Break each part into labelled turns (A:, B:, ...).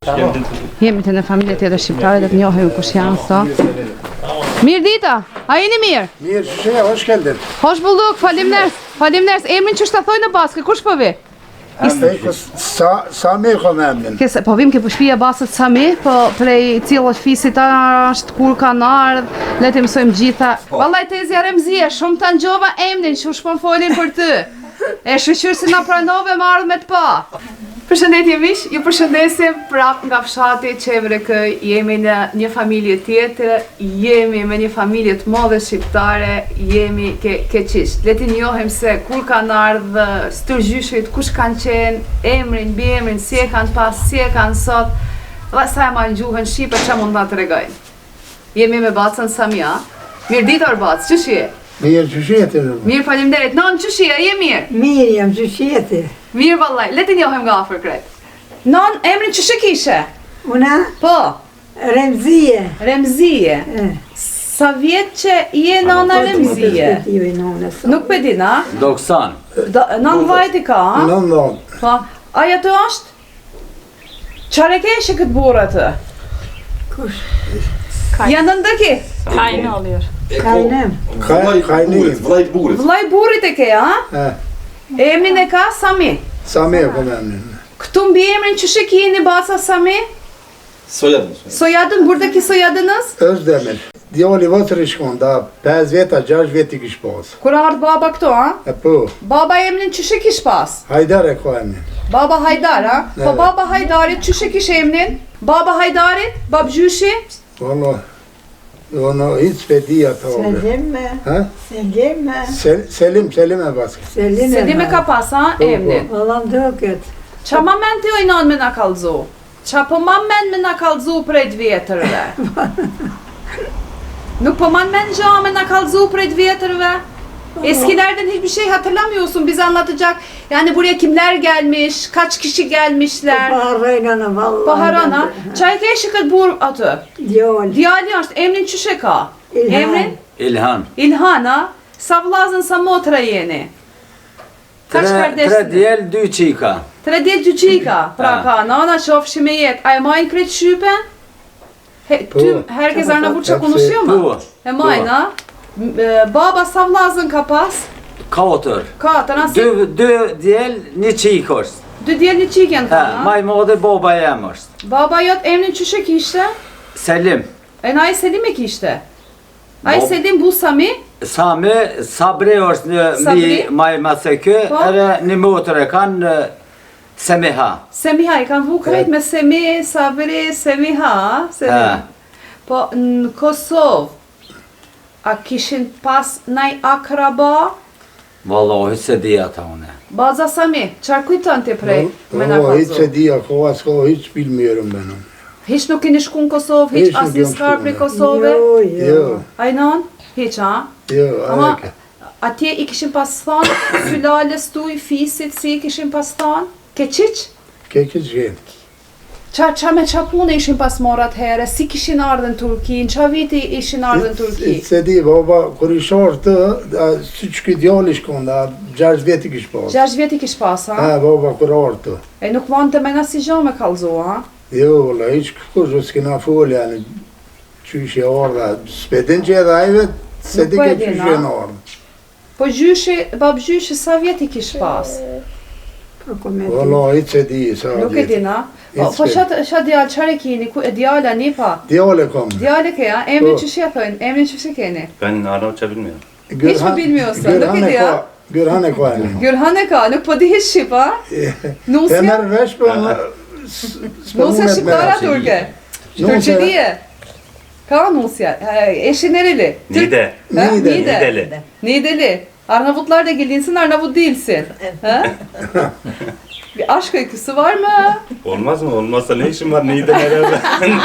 A: Jemi të në familje tjetër shqiptare dhe të njohim kush janë sot. Mirë dita, a jeni mirë?
B: Mirë, shëshe, hoş geldin.
A: Hoş bulduk, faleminderit. Emrin që shta thoj në baskë, kush po vi?
B: Sami kom emrin.
A: Po vim ke për shpia basët Sami, po prej cilët fisit ashtë kur kanë ardhë, le të mësojmë gjitha. Vallaj tezja Remzia, shumë të ngjova emrin që u shpon folin për ty. E shqyqyrë si na pranove më ardhë me të pa. Përshëndetje miq, ju përshëndesim prap nga fshati Çevrekë, jemi në një familje tjetër, jemi me një familje të madhe shqiptare, jemi ke qisht. Le t'i njohim se kur kanë ardhë, stërgjyshit, kush kanë qenë, emrin, biemrin, si e kanë pas, si e kanë sot, dhe sa e marrë gjuhën shqipe, që mund ta tregojnë. Jemi me bacën Samia. Mirë ditë Bacë, ç'shi je?
B: Mirë, ç'shi?
A: Mirë, faleminderit. Non, ç'shi je? Je mirë?
C: Mirë jam, ç'shi?
A: Mirë vallaj, le t'i njohim nga afër krejt. Non, emrin ç'shi kishe?
C: Una?
A: Po.
C: Remzije.
A: Remzije. Sa vjet që je nona Remzije? Nuk pe di, na?
D: Doksan.
A: Nën vajti ka, ha?
B: Non.
A: Po. Aja të është? Çfarë keshe këtë burrë atë?
C: Kush?
A: Janë ndëki?
E: Kajnë alër.
C: Kajnem.
D: Vllai burrit.
A: Vllai burrit e ke, ha? Emrin e ka Sami.
B: Sami kom emrin.
A: Këtu mbi emrin ç'shi keni baca Sami?
D: Soyadın.
A: Soyadın, buradaki soyadınız?
B: Özdemir. Djali votër i shkon, da 5 vjeta, 6 vjet i kish pas.
A: Kur ardh baba këtu, ha?
B: Po.
A: Baba emrin ç'shi kish pas?
B: Hajdar e ka emrin.
A: Baba Hajdar, ha? Po
B: Evet.
A: baba Hajdarit ç'shi kish emrin? Baba Hajdarit, babgjyshi?
B: Valla, ono hiç pedi ata oldu.
C: Selim mi?
B: Ha?
C: Selim mi?
B: Selim e baskı.
A: Selim e ka pas, ha? Emrin.
C: Vallam duket.
A: Qa ma men ti ojnon me na kallzu? Qa po ma men me na kallzu prej të vjetërve? Nuk po man men gja me na kallzu prej të vjetërve? Eskilerden hiçbir şey hatırlamıyorsun, bize anlatacak. Yani buraya kimler gelmiş, kaç kişi gelmişler.
C: Baharayla vallahi.
A: Baharana, çay keşi kët bur atë.
C: Djali.
A: Djali është, emrin çyshe ka?
C: İlhan.
A: Emrin?
D: İlhan.
A: İlhana. Sa vllazën, sa motra jeni? Kaç kardeşsiniz?
D: Tre djel, 2 çika.
A: Tre djetë gjyqika, pra ka nana qofshi me jetë, a e majnë krejt shqypen? Ty herkes Arnavutça konuşuyor mu?
D: Po.
A: E majnë, ha? Baba sa vllazën ka pas?
D: 4.
A: Katër, ha?
D: 2 djel, 1 çik është.
A: Dy djelë një qikjen
D: Ha,
A: ka,
D: maj madhe baba jam është.
A: Baba jot emrin qyshe kishte?
D: Selim.
A: E na i Selim e kishte? A i Selim bu Sami?
D: Sami, Sabri është në
A: Sabri?
D: maj masekë,
A: Po.
D: edhe një motër e kanë Semiha.
A: Semiha, i kanë vu krejt me Semi, Sabri, Semiha, ha? Selim.
D: Ha.
A: Po në Kosovë, a kishin pas naj akraba?
D: Vallahi se di ata une.
A: Baza Sami, çfarë kujton ti prej me na
B: Valla hiç
A: kallzu?
B: e di ako, asko hiç bilmiyorum ben onu.
A: Hiç nuk keni shku në Kosovë, hiç
B: Hiç nuk
A: asnjë
B: jam
A: skar
B: shku,
A: prej
B: ne.
A: Kosove?
B: Jo.
A: Ajnon? Hiç, ha?
B: Jo,
A: Ama
B: aleke.
A: atje i kishin pas thonë, sylalës tuj, fisit, si i kishin pas thonë? Keqiq?
B: Kekiç gen.
A: Qa me qa punë ishin pas marrë atëhere, si kishin ardhën Turki, në qa viti ishin ardhën Turki?
B: Hiç se di, baba, kur i shor të, siç ky djali shkon, da 6 vjet i kish pas.
A: 6 viti kish pas, ha?
B: Ha, baba, kur ardhë të.
A: E nuk vanë të mena si gjo me kallzu, ha?
B: Jo, valla, hiç kush s'kena fol, yani, qysh e ardha, s'pedin që edhe ajve, se
A: Nuk
B: di
A: po e
B: ke
A: din,
B: qysh
A: a?
B: e në ardhë.
A: Po babgjyshi sa vjeti kish pas?
C: Po komet.
B: Valla, hiç se di, sa
A: Nuk e
B: vjet.
A: din, ha? Po
B: Hiç se-
A: qa djallë, qare kini, ku e djalla një pa?
B: Djale kom.
A: Djallë ke, ha? Emrin
B: Po.
A: që shia thojnë, emrin që shi keni?
E: Ben Arnavutça bilmiyorum.
A: Hiç mi bilmiyorsun? Nuk e di, ha?
B: Gürhan e ka emrin.
A: Gürhan e ka, nuk po di hiç shqip, ha?
B: E
A: Nusja?
B: merr vesh, po
A: Nusja shqiptara turke? Turqelie? Ka Nusja, eşi nereli?
E: Niğde.
A: Ha?
B: Niğde.
E: Niğdeli.
A: Niğdeli. Arnavutlar da gelinsin, Arnavut değilsin. Ha? Bir aşk öyküsü var mı?
E: Olmaz mı? Olmazsa ne işin var Niğde nerede?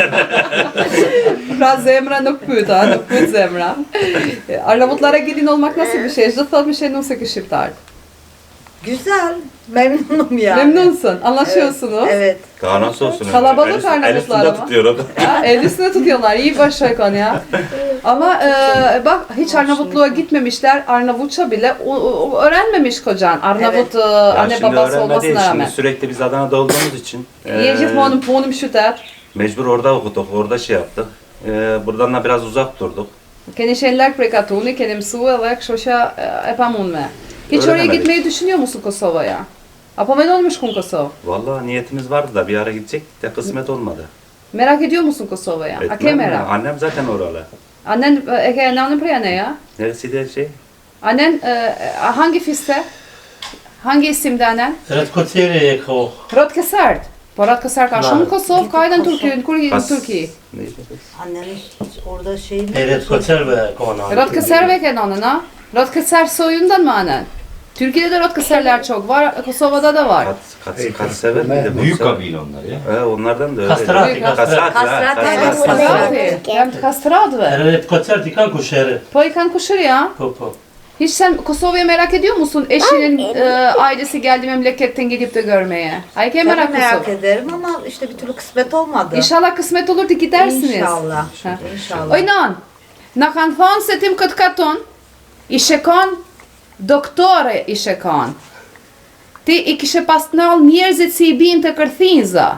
A: Pra zemra nuk pyet, ha? Nuk pyet zemra. Arnavutlara gelin olmak nasıl bir şey? Çdo thot bir şey Nusja ke shqiptar.
F: Güzel. Memnunum yani.
A: Memnunsun, anlaşıyorsunuz.
F: Evet.
E: Daha nasıl olsun?
A: Kalabalık
E: El üstünde
A: Arnavutlar ama.
E: tutuyor o da.
A: Ha, el üstüne tutuyorlar, iyi başarkan ya. Ama bak hiç Arnavutluğa gitmemişler, Arnavutça bile öğrenmemiş kocan. Arnavut
E: Ya
A: anne
E: şimdi
A: babası
E: öğrenmedi,
A: olmasına
E: şimdi
A: rağmen.
E: sürekli biz Adana'da olduğumuz için
A: Jegjithmonë monim punim qytet.
E: mecbur orada okuduk, orada şey yaptık. Buradan da biraz uzak durduk.
A: Keni qenë larg prej Katuni, keni mësue dhe kështu që e pamundme. Hiç oraya
E: Öğrenemedik.
A: gitmeyi düşünüyor musun Kosova'ya? Apo mendon me shku në Kosovë?
E: Vallahi niyetimiz vardı da bir ara gidecektik de kısmet olmadı.
A: Merak ediyor musun Kosova'ya? A ke
E: Etmem mi?
A: merak?
E: Annem zaten oralı.
A: Annen e ke nanën prej aneja?
E: Neresi de şey?
A: Annen hangi fiste? Hangi isimde annen?
G: Ret Koceri e ko.
A: Rot Kesart. Po Rot Kesart ka shumë në Kosovë, ka edhe në Turqi, në
E: Pas-
A: Turqi.
E: Neydi?
F: Annenin hiç orada şey mi?
G: Ret Kocerve kona.
A: Rot Keserve ke nanën, ha? Rot Keser soyundan mı annen? Türkiye'de de Rot Keserler çok var, Kosova'da da var.
E: Kat sever miydi?
H: Büyük kabile onlar ya.
E: Onlardan da öyle.
G: Kastrati,
E: Kastrati.
F: Kastrati.
A: Kastrati. Jam të kastradve.
G: Ret Kocer ti kanë kusheri.
A: Po i kanë kushëri, ha?
G: Po.
A: Hiç sen Kosova'ya merak ediyor musun? Eşinin ailesi geldi memleketten gidip de görmeye. Ay ke merak
F: merak
A: Kosova.
F: ederim ama işte bir türlü kısmet olmadı.
A: İnşallah kısmet olur da gidersiniz.
F: İnşallah.
A: Ha.
F: İnşallah.
A: Oj nan, na kanë thonë se tim këtë katon, i shekon, doktore i shekon. Ti i kishe pas nall njerëzit si i bin të kërthinza.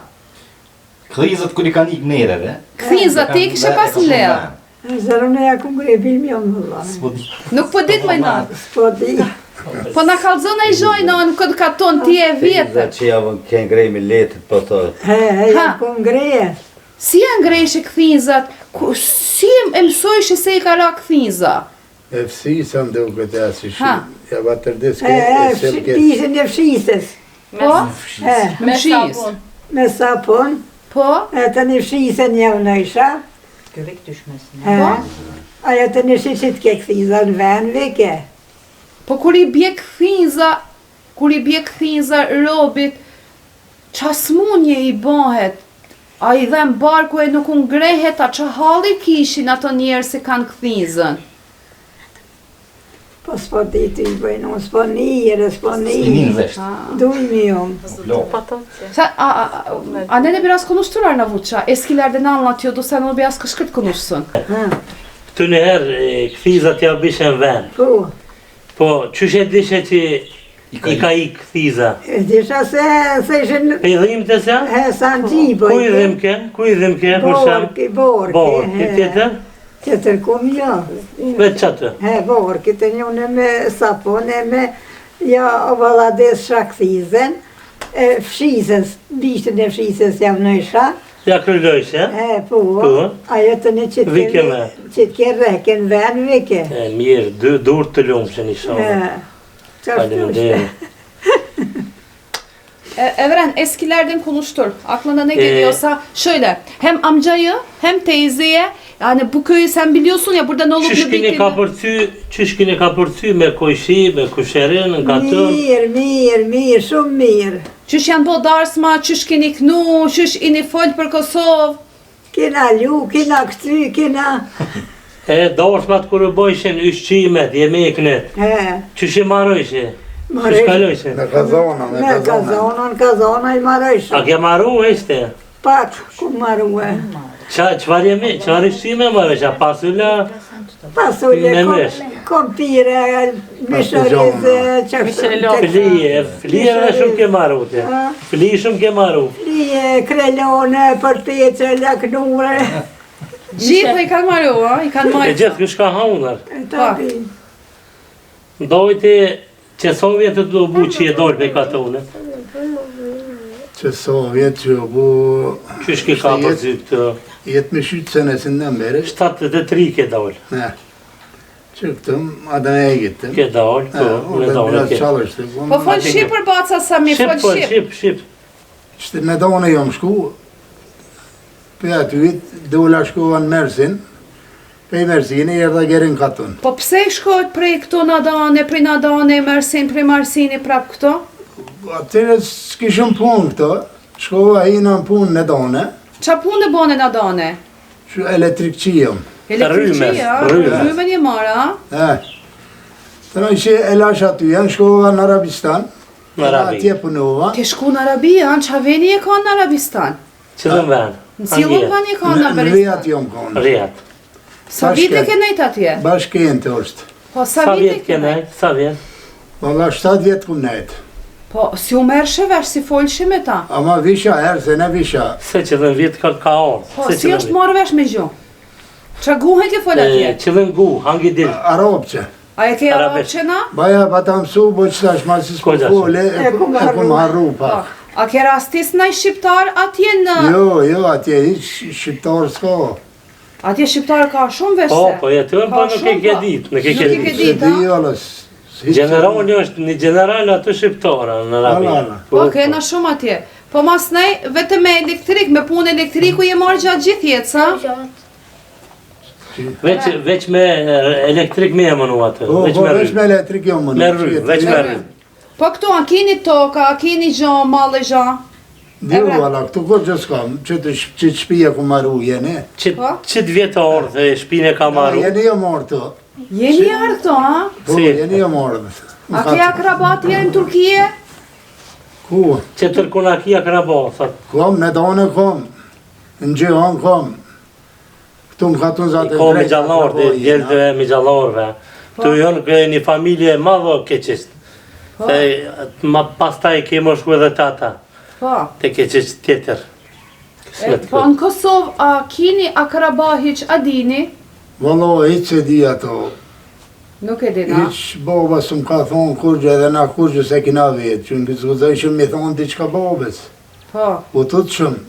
H: Krizat kur i kanë ikë nereve.
A: Kërthinza, ti i kishe pas në leo.
C: Zërën e ja ku ngre bilmion valla.
A: Nuk po dit më nan.
C: S'po di.
A: Po na kallzon ai zhoj nan këtë katon, ti e vjetër.
D: Që javën kënë grej me letit po të...
C: Ja ku ngreje.
A: Si janë ngrejshë këthinzat? Si e mësojshë se i ka ra këthinza?
B: E fësisa më duket e si
A: Ha.
B: shi. Ja vatërdes ke e selket.
C: Pishën e fshisës.
A: Po? Me shis.
C: Me sapun.
A: Po?
C: E të një fshisën javë në isha.
F: Göbek düşmesin.
C: Aja të një shishit ke këthiza në ven vike.
A: Po kur i bje këthinza robit, qa smunje i bëhet? A i dhem barku e nuk ngrehet, a qa halli kishin ato njerë se kanë këthinzën?
C: Po s'po di të i bëjnë, unë s'po njëre, s'po
H: Inin
C: njëre.
H: vesh.
C: Dujmi unë.
A: Annen e biraz konuştur Arnavutça. Eskilerden anlatıyordu, sen onu biraz kışkırt konuşsun.
G: Këtu një herë këthizat ja bishen ven.
C: Po,
G: Po, qysh e dishe që i ka i këthiza?
C: e disha se ishin
G: Pe i dhim të se?
C: sa në gjiboj.
G: Ku i dhim ke? Ku i dhim ke? Për sham?
C: Borki.
G: Borki, tjetër?
C: Tjetër kum jo.
G: Vetë qatë?
C: Borki të njone me sapon e me ja ovalades shakthizën. Fshisës, bishtën e fshisës jam në isha.
G: Ja kryllojsh,
C: Po, ajo të një
G: Vike me.
C: qitë ke reken ven vike.
G: Mirë, dur të lumë që një shumë. Faleminderit.
A: Evren, eskilerden konuştur. Aklına ne geliyorsa şöyle. Hem amcayı hem teyzeye. Yani bu köyü sen biliyorsun ya burada ne olup ne
G: Qysh kini ka përcy me kojshi, me kusherin, në katër?
C: Mirë, shumë mirë.
A: Qysh janë bo darsma, qysh keni knu, qysh ini fol për Kosovë.
C: Kena lu, kena këty, kena...
G: Darsmat kërë bojshin ushqimet, jemeknet, qysh i marojshi? Qysh kalojshi?
B: Me kazona, me
C: Me
B: kazona.
C: kazona i marojshë.
G: A ke marru ishte?
C: Pak, ku marru e.
G: Qëfar ushqime marojsh? A pasulla?
C: Pasulle,
G: Me mesh.
C: kompire, mishorize,
G: Flije dhe shumë ke marru te. Flije shumë ke marru.
C: Flije, krelone, përpeqe, laknure.
A: Gjithë i kanë marru, i kanë
G: E
A: marru.
G: gjithë kësh ka haunar.
C: Tapi,
G: Dojti që Sovjetët do bu që je dojnë me katone.
B: Që Sovjet që bu...
G: Qysh ki ka përzi këtë?
B: Jetë me shytë senesin në mbere.
G: 73 ke dojnë.
B: Ne. Që këtëm, adën e gitëm.
G: Ke dojnë, me dojnë ke.
A: Po fol Shqipër baca Sami, fol Shqip.
G: Shqip.
B: Qëtë me dojnë jom shku, për aty vitë, dola shkova në Mersin, për i Mersini e rda gerin katon.
A: Po pse shkojt prej këto nadane, prej nadane, prej Marsini prap këto?
B: Atyre s'kishëm punë këto, shkova i në punë në done,
A: Qa punë e bone nadane?
B: që elektrikqijëm.
A: Elektriqia, rrymen je mara,
B: Të në që e lash aty, janë shkova në Arabistan,
G: Në Arabi.
B: Atje punova.
A: Ti shku në Arabi, anë qa veni e ka në Arabistan?
G: Qëllën ven?
A: Në cilën veni e ka në
B: Në Riyadh
A: Arabistan?
B: jom konë.
G: Riyadh.
A: Sa vite ke nejt atje?
B: Bashkente është.
A: Po,
G: Sa
A: sa vite
G: vjet
A: ke
G: ke
A: nejt?
G: nejt? Sa vjet?
B: Valla 7 vjetë kum nejtë.
A: Po, si u merrshe vesh, si folshi me ta?
B: Ama visha herë se ne visha.
G: Se qëllën vjet ka orë.
A: Po, si është marrë vesh me gjuhë? Qa guhet ti fol atje?
G: Qëllën gu, hangi dil.
B: Arabçe.
A: A e ke
G: Arabesh.
A: arabçena?
B: Baja pa ta mësu, bo që tash ma si s'ko
G: Ko
B: fole, e kum harru
A: Po.
B: pak.
A: A ke rastis ndaj shqiptar atje në...
B: Jo, atje hiq shqiptar s'ka.
A: Atje shqiptar ka shumë vesh
G: Po,
A: se?
G: po jetën, po nuk e ke dit. Nuk e ke
A: Nuk e ke
G: dit.
A: dit.
B: Se di jollës.
G: Generali është një general aty shqiptara në Arabi.
B: Ala.
A: Po, kena shumë atje. Po mas nej, vetëm me elektrik, me punë elektriku je marrë gjatë gjithë jetë, sa?
G: Veç me elektrik me e mënu atë.
B: Po,
G: Veç
B: po,
G: me
B: veç me
G: rry.
B: elektrik jo më.
G: Me rry, veç me rry.
A: Po këtu, a keni toka, a keni gjo, mallë gjo?
B: Jo, valla, këtu ko që s'kam, që të shpija ku marru jene.
A: Po?
G: Qëtë vjetë orë dhe shpine ka marru?
B: Jene jo marrë të.
A: Jeni ardhë këtu, ha?
B: Po,
G: Si?
B: jene jo marrë.
A: A ke akrabat tjerë në Turkije?
B: Ku?
G: Që tërkuna kia krabo, thot.
B: Kom, në dane kom. Në gjëhan kom. Këtu më katun zatë
G: Ko me gjallor, djelëve me gjallorve. Tu jonë një familje madho keqisht. Se ma pastaj kemo shku edhe tata.
A: Po.
G: Te keqisht tjetër.
A: Po në Kosovë, a keni akraba hiq a dini?
B: Valla, hiq se di ato.
A: Nuk e dina.
B: Hiq baba së më ka thonë kurgjë edhe na kurgjë se kina vetë. Që në këtë zguzajshëm me thonë diqka babes.
A: Po.
B: U të të shumë.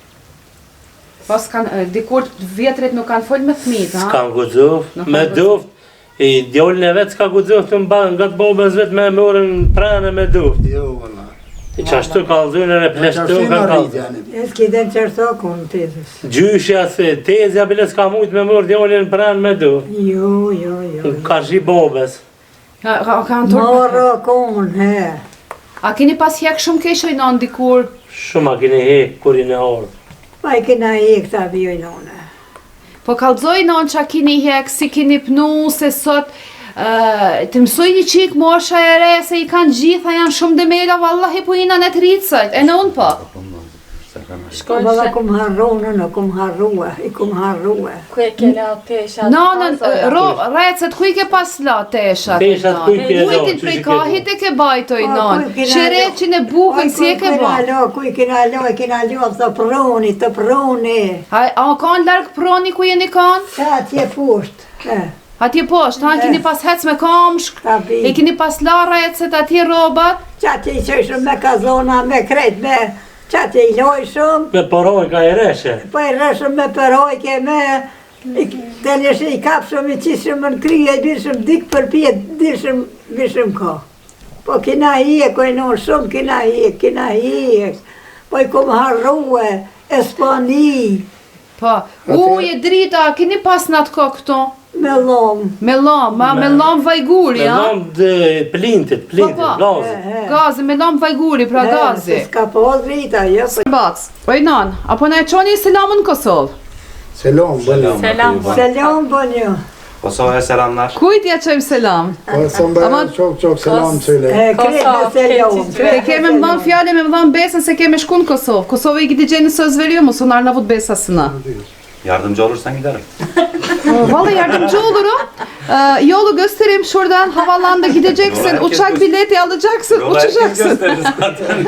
A: Pas kanë, dikur vjetrit nuk kanë folë me thmit, ha?
G: S'kan gudzuf,
A: Nuk
G: me
A: kanë
G: duft. I djollën e vetë s'ka gudzuf të mba nga të bobës vetë me morën pranë me duft.
B: Jo, valla.
G: I qashtu kalzunën e pleshtu kanë kalzun.
C: E s'kiden qërto konë tezës.
G: Gjyshja se tezja bile s'ka mujt me morë djollën pranë me duft.
C: Jo.
G: Ka shi bobës.
A: Kanë turp.
C: Moro konë, he.
A: A keni pas hjek shumë keshoj në dikur?
G: Shumë a kini hek kurin e orë.
C: Pa i kena e këta bjojnone.
A: Po kalzoj në që a keni hjek, si keni pnu, se sot të mësoj një qik mosha e re, se i kanë gjitha, janë shumë demela, vallahi po ina në të rritësët, e në unë po.
C: Valla kum harrone, në kum harrua, i kum harrua.
I: Ku e ke la teshat?
A: Nanën, recet, ku i ke pas la teshat?
G: Teshat ku i ke la,
A: Ujtin
G: që
A: prej
G: shi ke
A: kahit e ke bajtoj
C: Po,
A: nanë.
C: ku i kena
A: Shereqin e bukën, si e ke ba?
C: Ku i kena lo, i kena lo, të proni, të proni.
A: A kanë largë proni ku jeni kanë?
C: Ta atje pusht.
A: Atje poshtë, ha, keni pas hec me kamshk,
C: Ta bi.
A: e keni pas la recet atje robat.
C: Qatë i qëshëm me kazona, me kret, me qatë i lojshëm.
G: Me poroj ka i reshe.
C: Po i rëshëm me përojke, me të njëshë i kapshëm, i qishëm në kryje, i bishëm dik për pjetë, bishëm ka. Po kina hiek, o i nënë shumë, kina hiek. Po i kom harruë, Espani,
A: Po, uje drita, keni pas në atë ko këto?
C: me lomë.
A: Me lam vajguri,
G: Me
A: ha?
G: nom dhe plintit,
A: Po,
G: gazi.
A: Gazi, me lam vajguri, pra gazi.
C: S'ka po drita, jo.
A: Bac, oj nan, apo na e qoni selamën në Kosovë?
B: Selam, bëllam.
I: Selam.
C: Selam bënjo.
E: Kosova'ya selamlar.
A: Kujt ja qojmë selam?
B: Po, së më
A: Ama-
B: bërë qok selam cile.
C: Kretë me selam.
A: Te keme më dhanë fjale, me më dhanë besën se keme shku në Kosovë. Kosovë i gidi gjenë së zveriu, mu sunar në vut besa sëna.
E: Yardımcı olursan giderim.
A: Vallahi yardımcı olurum. Yolu göstereyim şuradan havalanda gideceksin, uçak bileti alacaksın,
E: Yola herkes
A: uçacaksın.
E: gösterir zaten.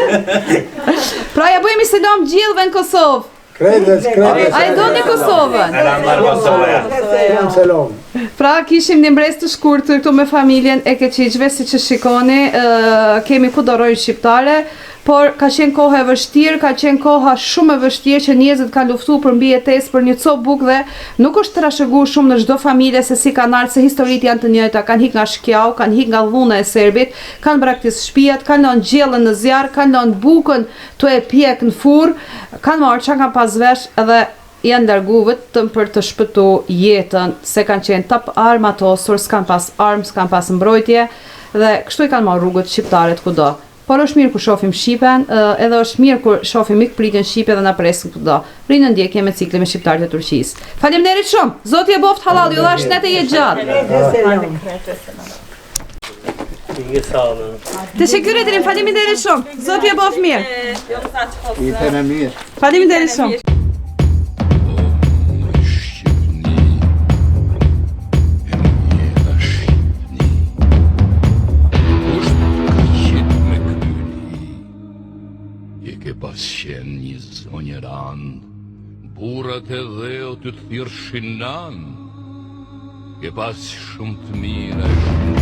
A: Pra ja bëjmë selam gjithëve në Kosovë.
B: Kredes.
A: A e do një Kosovën?
E: Selamlar Kosova'ya.
B: Selam.
A: Pra kishim një mbres të shkurtër këtu me familjen e Keqiqve, si që shikoni, kemi ku dorojnë shqiptare, por ka qenë koha e vështirë, ka qenë koha shumë e vështirë që njerëzit kanë luftu për mbi jetesë për një copë bukë dhe nuk është trashëguar shumë në çdo familje se si kanë ardhur, se historitë janë të njëjta, kanë hik nga shkjau, kanë hik nga dhuna e serbit, kanë braktis shtëpiat, kanë lënë gjellën në zjarr, kanë lënë bukën tu e pjek në furr, kanë marrë çka kanë pas vesh dhe janë largu vetëm për të shpëtu jetën, se kanë qenë top armatosur, s'kan pas armë, s'kan pas mbrojtje dhe kështu i kanë marrë rrugët shqiptarët kudo. Por është mirë kur shohim Shqipen, edhe është mirë kur shohim mikpritjen shqipe dhe na presin kudo. Rinë ndjekje me ciklin me shqiptarët e Turqisë. Faleminderit shumë. Zoti e boft halal, ju dhash net e jetë gjatë.
C: Kretë selam.
G: sağ olun.
A: Teşekkür ederim. Faleminderit shumë. Zoti e bof mirë.
B: Jetë në mirë.
A: Faleminderit shumë.
I: Ke pas qenë një zonjë ran, burat e dheu të thirë shinan, ke pas shumë të mira